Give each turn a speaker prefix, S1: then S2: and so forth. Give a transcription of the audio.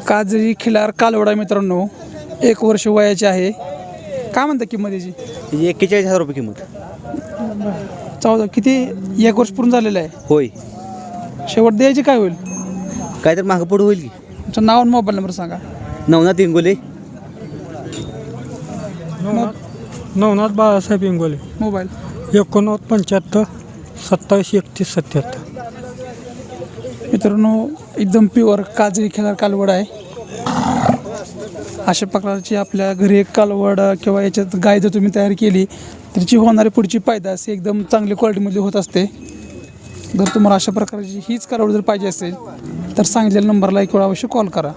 S1: काजळी खिलार कालवडा मित्रांनो, 1 वर्ष वयाची आहे. काय म्हणता किंमत याची?
S2: 41,000 रुपये किंमत.
S1: 14 किती 1 वर्ष पूर्ण झालेलं आहे.
S2: होय.
S1: शेवट द्यायची काय होईल?
S2: काय तर मागं पुढं होईल की.
S1: तुमचं नाव आणि मोबाईल नंबर सांगा.
S2: नवनाथ इंगोले.
S3: नवनाथ बाळासाहेब इंगोले.
S1: मोबाईल
S3: 89 75 27 31 77.
S1: मित्रांनो, एकदम प्युअर काजळी खिलार कालवड आहे. अशा प्रकारची आपल्या घरी एक कालवड किंवा याच्यात गाय जर तुम्ही तयार केली तर त्याची होणारी पुढची पैदास एकदम चांगली क्वालिटीमध्ये होत असते. जर तुम्हाला अशा प्रकारची हीच कालवड जर पाहिजे असेल तर सांगितलेल्या नंबरला एक वेळा अवश्य कॉल करा.